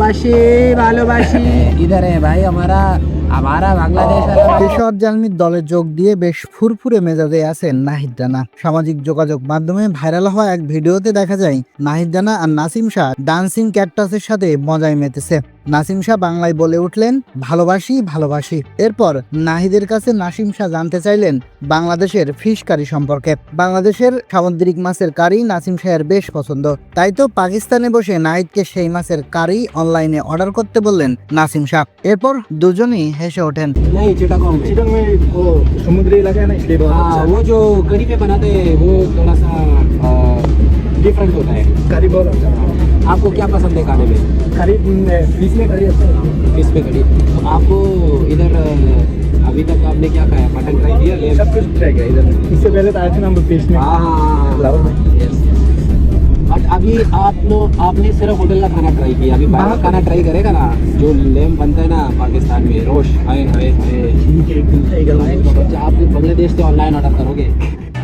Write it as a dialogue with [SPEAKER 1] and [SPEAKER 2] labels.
[SPEAKER 1] ভালোবাসি ভালোবাসি इधर है भाई हमारा हमारा बांग्लादेश
[SPEAKER 2] পেশাওয়ার জালমির দলে যোগ দিয়ে বেশ ফুরফুরে মেজাজে আছেন নাহিদ রানা। সামাজিক যোগাযোগ মাধ্যমে ভাইরাল হওয়া এক ভিডিওতে দেখা যায় নাহিদ রানা আর নাসিম শাহ ডান্সিং ক্যাকটাসের সাথে মজায় মেতেছে। নাসিম শাহ বাংলায় বলে উঠলেন ভালোবাসি ভালোবাসি। এরপর নাহিদের কাছে নাসিম শাহ জানতে চাইলেন বাংলাদেশের ফিশ কারি সম্পর্কে। বাংলাদেশের সামুদ্রিক মাছের কারি নাসিম শাহের বেশ পছন্দ, তাই তো পাকিস্তানে বসে নাহিদকে সেই মাছের কারি অনলাইনে অর্ডার করতে বললেন নাসিম শাহ। এরপর দুজনেই হেসে ওঠেন।
[SPEAKER 1] नहीं चिटागोंग में
[SPEAKER 3] चिटंग में वो समुद्री इलाका है ना, इसलिए बहुत अच्छा
[SPEAKER 1] वो जो कड़ी पे बनाते हैं वो थोड़ा सा डिफरेंट होता है।
[SPEAKER 3] करी बहुत अच्छा है।
[SPEAKER 1] आपको क्या पसंद है खाने में?
[SPEAKER 3] करी बीच में करी अच्छा है।
[SPEAKER 1] फिश पे कड़ी। तो आपको इधर अभी तक आपने क्या खाया? मटन ट्राई किया?
[SPEAKER 3] सब कुछ ट्राई किया इधर। इससे पहले तो आए थे ना हम पेश में।
[SPEAKER 1] हाँ
[SPEAKER 3] लाहौर में।
[SPEAKER 1] बट अभी आपने सिर्फ होटल का खाना ट्राई किया, अभी बाहर का खाना ट्राई करेगा ना, जो लेम बनता है ना पाकिस्तान में रोश, हाय हाय हाय।
[SPEAKER 3] ठीक है, एकदम सही गल है।
[SPEAKER 1] आप बांग्लादेश से ऑनलाइन ऑर्डर करोगे?